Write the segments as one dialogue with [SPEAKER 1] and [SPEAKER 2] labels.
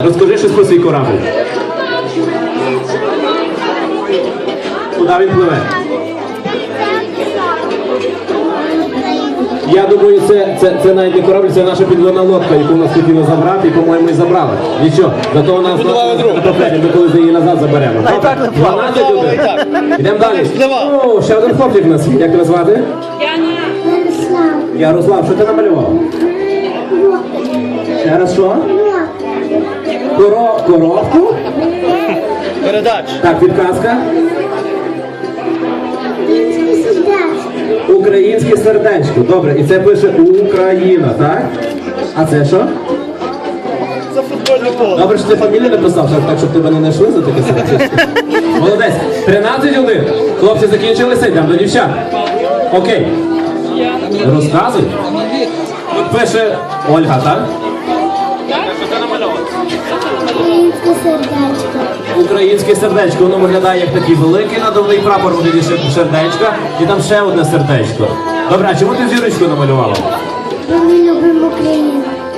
[SPEAKER 1] Розкажи щось про свій корабль. Куди він пливе? Я думаю, це навіть не корабль, це наша підводна лодка, яку нас хотіли забрати, і, по-моєму, і забрали. Нічого, зато у нас на попереді, ми колись її назад заберемо. 12 людей. Йдемо далі. О, ще один хлопчик у нас. Як тебе звати? Ярослав, що ти намалював? Ще раз що? Коробку?
[SPEAKER 2] Передач.
[SPEAKER 1] Так, підказка. Українське сердечко. Добре, і це пише Україна, так? А це що?
[SPEAKER 2] Це футбольне поле.
[SPEAKER 1] Добре, що ти фамілію написав, так, щоб тебе не знайшли за таке сердечко. Молодець. 13-1. Хлопці закінчилися, йдемо до дівчат. Окей. Розказуй. Тут пише Ольга, так?
[SPEAKER 3] Українське сердечко.
[SPEAKER 1] Українське сердечко, воно виглядає як такий великий надувний прапор, вигляді сердечка, і там ще одне сердечко. Добре, а чому ти зірочку намалювала?
[SPEAKER 3] Бо ми любимо Україну.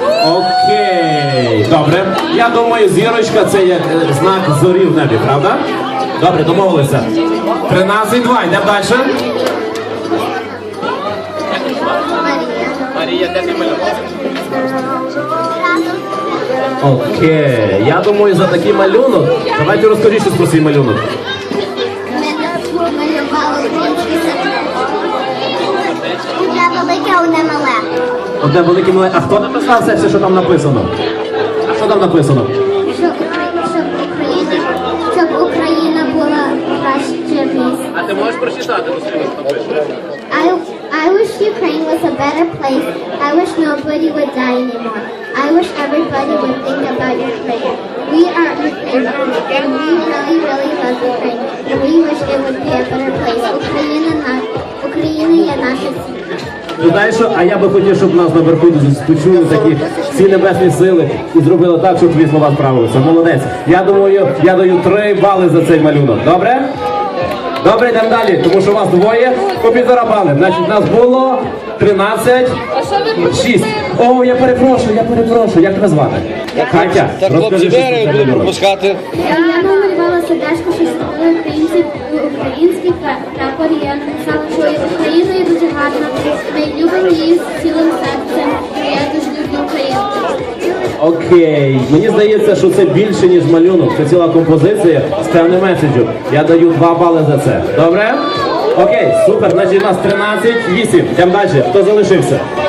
[SPEAKER 1] Окей, добре. Я думаю, зірочка це як знак зорі в небі, правда? Добре, домовилися. 13-2, йдемо далі.
[SPEAKER 2] Марія, де ти малював?
[SPEAKER 1] Окей, я думаю, за такий малюнок. Давайте розкажіть щось про свій малюнок.
[SPEAKER 3] Ми малювали українське сердечко. Одне велике, одне мале.
[SPEAKER 1] Одне велике мале. А хто написав все, що там написано? А що там написано?
[SPEAKER 3] Щоб Україна була краще місце.
[SPEAKER 2] А ти можеш прочитати, що напише?
[SPEAKER 3] I wish Ukraine was a better place. I wish nobody would die anymore. I wish everybody would think about Ukraine. We are Ukraine, and we really, really love Ukraine. And we wish it would be a better place. Україна є наша сім'я.
[SPEAKER 1] Ти знаєш що? А я би хотів, щоб нас наверху почули такі всі небесні сили і зробили так, щоб твої слова справилися. Молодець. Я думаю, я даю 3 бали за цей малюнок. Добре? Добре, йдемо далі, тому що вас двоє по 1,5 бали. Значить, нас було 13-6. О, я перепрошую. Як тебе звати? Катя,
[SPEAKER 2] Так, хлопці,
[SPEAKER 1] розкажи, що
[SPEAKER 2] де
[SPEAKER 1] це
[SPEAKER 2] будемо
[SPEAKER 1] малюнок.
[SPEAKER 2] пропускати?
[SPEAKER 3] Я намалювала сердечко, що створили український прапор. І я написала, що Україна є дуже гарна. Ми любимо її з цілим серцем. І я дуже люблю Україну.
[SPEAKER 1] Окей, мені здається, що це більше, ніж малюнок. Це ціла композиція з певним меседжем. Я даю 2 бали за це. Добре? Окей, супер. Значить, у нас 13-8. Йдемо далі. Хто залишився?